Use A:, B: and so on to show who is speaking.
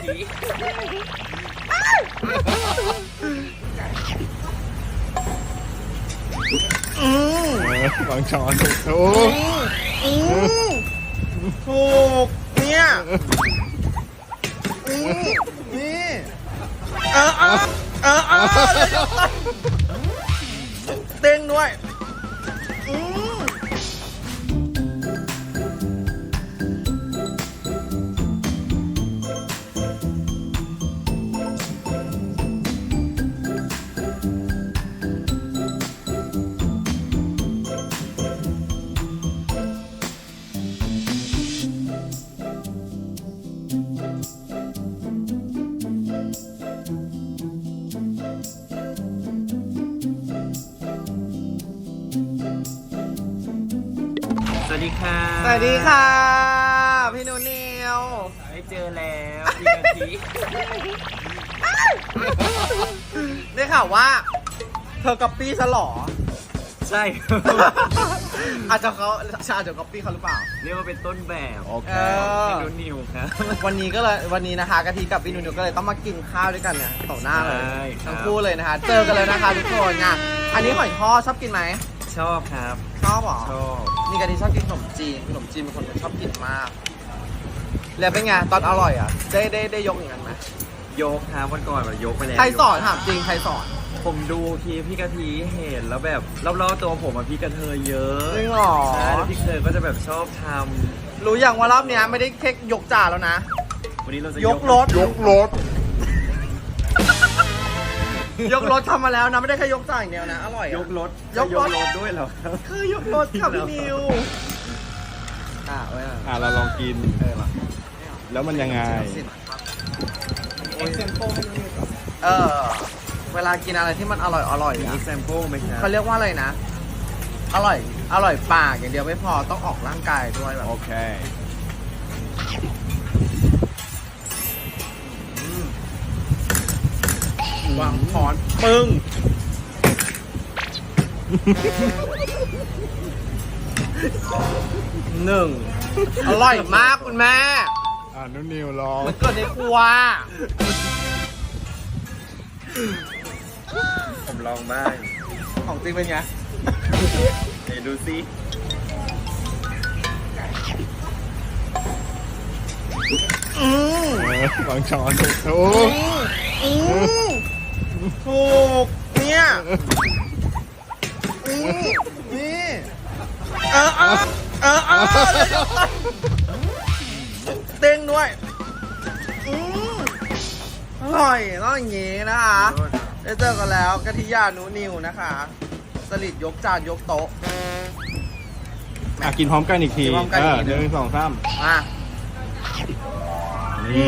A: ที
B: วางช้อนโอ้
C: ถูกเนี่ยนี่เต้งด้วย
A: สวัสดีค่ะ
C: สวัสดีค่ะพี่นุ่นนิว
A: ได้เจอแล้วพี่กะทิ
C: ได้ข่าวว่าเธอก๊อปปี้ฉันเหรอ
A: ใช่
C: อาจจะก๊อปปี้เขาหรือเปล่า
A: เรียกว่าเป็นต้นแบบ
B: โอเค
A: พี่นุ่นนิวครับ
C: วันนี้นะคะกะทิกับพี่นุ่นนิวก็เลยต้องมากินข้าวด้วยกันเนี่ยต่อหน้าเลย
A: ใช่ครับ
C: ทั้งคู่เลยนะคะ เจอกันเลยนะคะทุกคนอ่ะอันนี้หอยทอดชอบกินไหม
A: ชอบครับ
C: ชอบเหรอ
A: ชอบ
C: นี่กะทิชอบกินขนมจีนเป็นคนชอบกินมากแล้วเป็นไงตอนอร่อยอ่ะได้ยกอย่างนั้นไหม
A: ยกครับวันก่อนแบบยกไปแล้ว
C: ใครสอนถามจริงใครสอน
A: ผมดูคลิปพี่กะทิเห็นแล้วแบบรอบๆตัวผมอะพี่กระเทยเยอะ
C: จริงเหรอ
A: ใช่แล้วพี่กระเทยก็จะแบบชอบท
C: รู้อย่างว่ารอบเนี้ยไม่ได้แค่ยกจานแล้วนะ
A: ำวันนี้เราจะ
C: ยกรถ
B: ยกรถ
C: ยกรถทำมาแล้วนะไม่ได้แค่ยกจานอย่างเดียวนะอร่อยอะ
A: ยกรถ
C: ยกรถ
A: ด้วยเหรอครับ
C: คือยกรถค่ะพี่นิวไว้หน่อย
B: เราลองกิน
C: มา
B: แล้วมันยังไง
C: เวลากินอะไรที่มันอร่อย
A: มี
C: อะ
A: แซมเปิลไหมครับ
C: เขาเรียกว่าอะไรนะ อร่อยปากอย่างเดียวไม่พอต้องออกร่างกายด้วยแบบ
B: โอเค
C: วางช้อนปึ้งหนึ่งอร่อยมากคุณแม่
B: นุ่นนิวลอง
C: มันเกิดในครัว
A: ผมลองบ้าง
C: ของจริงเป็นไง
A: เดี๋ยวดูซิ
B: วางช้อนโอ้
C: ถูกเนี่ยนี่เต้งด้วยอร่อยต้องอย่างนี้นะคะได้เจอกันแล้วกะทิยานุนิวนะคะสลิดยกจานยกโต๊ะ
B: กินพร้อมกันอีกที
C: กินพร้อมกันอีกที
B: หนึ่งสองสาม
C: มา
B: นี่